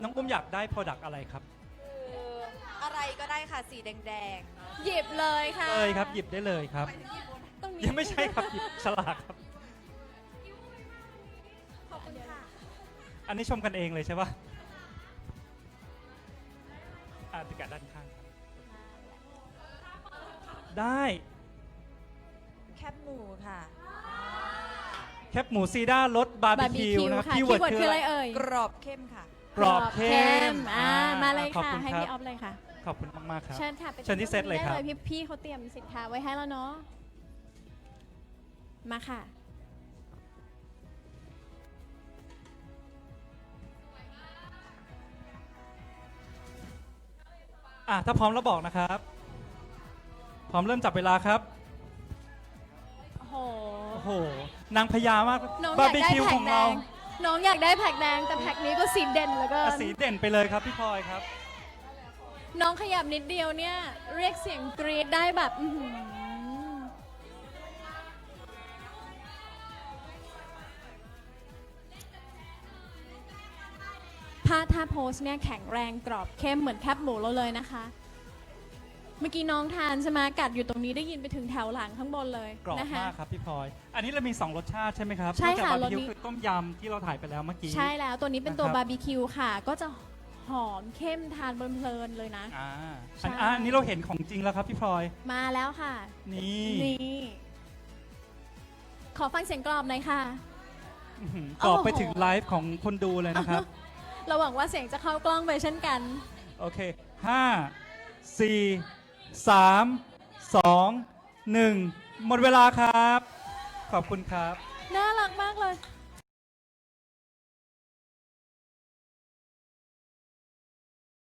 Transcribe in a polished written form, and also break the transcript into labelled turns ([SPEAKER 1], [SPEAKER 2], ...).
[SPEAKER 1] น้องอุ้มอยากได้ Product อะไรครับ
[SPEAKER 2] คืออะไรก็ได้ค่ะสีแดง
[SPEAKER 3] หยิบเลยค่ะ
[SPEAKER 1] เลยครับหยิบได้เลยครับ
[SPEAKER 3] ตรงนี้
[SPEAKER 1] ยังไม่ใช่ครับหยิบฉลากครับ
[SPEAKER 2] ๆขอบคุณค่ะ
[SPEAKER 1] อันนี้ชมกันเองเลยใช่ปะติดกะด้านข้างครับได้
[SPEAKER 2] แคบหมูค่ะ
[SPEAKER 1] แคปหมูซีด้ารสบาร์บีคิวนะครับ
[SPEAKER 3] ค่ะ
[SPEAKER 1] คี
[SPEAKER 3] คี
[SPEAKER 1] ย์
[SPEAKER 3] ย์
[SPEAKER 1] เวิร์ด
[SPEAKER 3] เวิร์ด
[SPEAKER 1] คื
[SPEAKER 3] คือ อ
[SPEAKER 1] อะ
[SPEAKER 3] อะไร ไรเอ่ย
[SPEAKER 2] กรอบเข้มค่ะ
[SPEAKER 1] กรอบเข้ม
[SPEAKER 3] มาเลย
[SPEAKER 1] ขอบ
[SPEAKER 3] ค่ะ
[SPEAKER 1] ณ
[SPEAKER 3] ให้
[SPEAKER 1] รับ
[SPEAKER 3] พี่ออฟเลยค่ะ
[SPEAKER 1] ขอบคุณมากๆครับ
[SPEAKER 3] เชิญค่ะไป
[SPEAKER 1] เชิญที่เซตเลยครับ
[SPEAKER 3] ได้พี่เขาเตรียมสินค้าไว้ให้แล้วเนาะมาค่ะ
[SPEAKER 1] ถ้าพร้อมแล้วบอกนะครับ พร้อมเริ่มจับเวลาครับ
[SPEAKER 3] โอ้โห
[SPEAKER 1] โอ้โห นางพญามาก
[SPEAKER 3] น้องอบ
[SPEAKER 1] า
[SPEAKER 3] ยา
[SPEAKER 1] ร์
[SPEAKER 3] ก
[SPEAKER 1] บี
[SPEAKER 3] ได้
[SPEAKER 1] คิว
[SPEAKER 3] แพ็
[SPEAKER 1] ข
[SPEAKER 3] ก
[SPEAKER 1] อง
[SPEAKER 3] แด
[SPEAKER 1] เรา
[SPEAKER 3] งน้องอยากได้แพ็กแดงแต่แพ็กนี้ก็สีเด่นเหลือเกิน
[SPEAKER 1] สีเด่นไปเลยครับพี่พลอยครับ
[SPEAKER 3] น้องขยับนิดเดียวเนี่ยเรียกเสียงกรี๊ดได้แบบอื้อหือถ้าโพสเนี่ยแข็งแรงกรอบเข้มเหมือนแคบหมูเราเลยนะคะ เมื่อกี้น้องทานใช่ไหมกัดอยู่ตรงนี้ได้ยินไปถึงแถวหลังข้างบนเลย
[SPEAKER 1] กรอบ
[SPEAKER 3] นะคะ
[SPEAKER 1] มากครับพี่พลอย อันนี้เรามี 2 รสชาติใช่ไหมครับ
[SPEAKER 3] ใช่ค่ะ
[SPEAKER 1] นอกจากบาร์บีคิว
[SPEAKER 3] รสนี้
[SPEAKER 1] คือต้มยำที่เราถ่ายไปแล้วเมื่อกี้
[SPEAKER 3] ใช่แล้วตัวนี้เป็นตัว
[SPEAKER 1] นะครับ
[SPEAKER 3] บาร์บีคิวค่ะ ก็จะหอมเข้มทานเพลินๆเลยนะ ใช่
[SPEAKER 1] อันนี้เราเห็นของจริงแล้วครับพี่พลอย
[SPEAKER 3] มาแล้วค่ะ
[SPEAKER 1] นี่
[SPEAKER 3] นี่ขอฟังเสียงกรอบหน่อยค่ะ
[SPEAKER 1] อื้อหือกรอบไปถึงไลฟ์ของคนดูเลยนะครับ
[SPEAKER 3] เราหวังว่าเสียงจะเข้ากล้องไปเช่นกัน
[SPEAKER 1] โอเค 5 4 3 2 1 หมดเวลาครับ ขอบคุณครับ
[SPEAKER 3] น่ารักมากเลย